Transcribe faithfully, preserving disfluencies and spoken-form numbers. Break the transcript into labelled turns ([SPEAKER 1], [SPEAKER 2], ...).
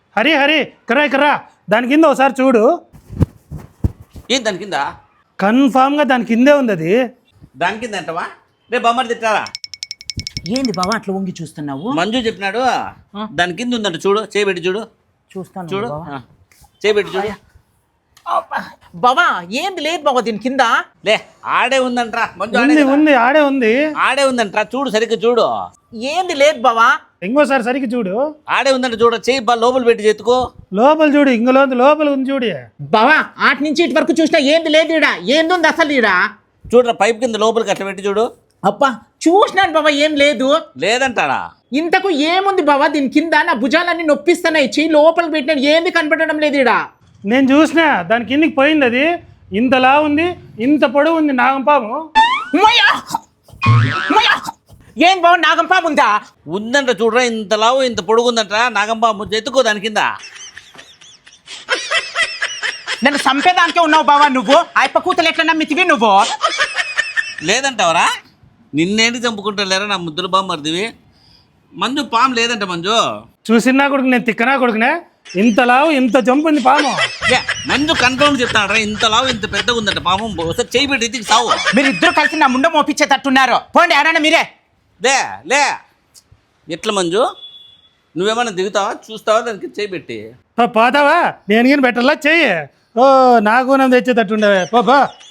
[SPEAKER 1] హరి హరి కర్రా కర్రా దాని కింద ఒకసారి చూడు.
[SPEAKER 2] ఏం దాని కింద?
[SPEAKER 1] కన్ఫామ్గా దాని కిందే ఉంది అది.
[SPEAKER 2] దాని కింద అంటవా? రేపు బొమ్మడి తిట్టారా?
[SPEAKER 3] ఏంది బావా అట్లా వంగి చూస్తున్నావు?
[SPEAKER 2] మంజు చెప్పినాడు దాని కింద ఉందంట, చూడు చేయబెట్టి చూడు.
[SPEAKER 3] చూస్తాను
[SPEAKER 2] చూడు చేయబెట్టి చూడు.
[SPEAKER 3] బావా ఏంది లేదు బావా దీని కింద.
[SPEAKER 2] లే ఆడే ఉందంట్రా మంజు, ఆడే
[SPEAKER 1] ఉంది
[SPEAKER 2] కదా.
[SPEAKER 1] ఉంది ఆడే ఉంది
[SPEAKER 2] ఆడే ఉందంట్రా, చూడు సరిగ్గా చూడు.
[SPEAKER 3] ఏంది లేదు బావా.
[SPEAKER 1] ఇంకోసారి సరిగ్గా చూడు.
[SPEAKER 2] ఆడే ఉందంట చూడు, చేయి బా లోపల పెట్టి చేతుకో.
[SPEAKER 1] లోపల చూడు, ఇంకలో లోపల ఉంది చూడు.
[SPEAKER 3] బావా ఆటి నుంచి ఇటు వరకు చూసినా ఏంది లేదు ఈడ. ఏంది ఉంది అసలు ఈడ?
[SPEAKER 2] చూడరా పైప్ కింద లోపలికి అట్లా పెట్టి చూడు.
[SPEAKER 3] అబ్బా చూసినాను బావా ఏం లేదు.
[SPEAKER 2] లేదంటారా?
[SPEAKER 3] ఇంతకు ఏముంది బావా దీని కింద? నా భుజాలన్నీ నొప్పిస్తున్నాయి, చెయ్యి లోపలికి పెట్టినాడు, ఏంది కనపడడం లేదు ఈడ.
[SPEAKER 1] నేను చూసినా దాని కిందికి పోయింది అది. ఇంతలా ఉంది, ఇంత పొడవు ఉంది నాగంపాము.
[SPEAKER 3] ఏం బావ నాగంపాము ఉందా?
[SPEAKER 2] ఉందంట చూడరా, ఇంత లావు ఇంత పొడుగుందంట నాగంబాబు. ఎత్తుకో దాని కింద.
[SPEAKER 3] నన్ను చంపేదానికే ఉన్నావు బావా నువ్వు. ఆయప్ప కూతలు ఎట్లా నమ్మితివి నువ్వు?
[SPEAKER 2] లేదంటావరా? నిన్నేంటి చంపుకుంటా లేరా నా ముద్దుల బామ్మర్దివి. మంజు పాము లేదంట మంజు.
[SPEAKER 1] చూసినా కొడుకు నేను తిక్కనా కొడుకునే. ఇంతలావు ఇంత జంపు ఉంది పాము.
[SPEAKER 2] మంజు కన్ఫర్మ్ చెప్తాడరా, ఇంత లావు ఇంత పెద్దగా ఉందంట పాము. ఒకసారి చేయి పెట్టి ఎత్తికి సావు.
[SPEAKER 3] మీరు ఇద్దరు కలిసి నా ముండ మోపించేటట్టున్నారు. పోండి ఎవరైనా మీరే.
[SPEAKER 2] లే లే ఎట్లా మంజు? నువ్వేమన్నా దిగుతావా చూస్తావా దానికి చేయి పెట్టి?
[SPEAKER 1] పోతావా? నేను కానీ పెట్టాలా చెయ్యి. ఓ నాకు తెచ్చేటట్టుండవే పో.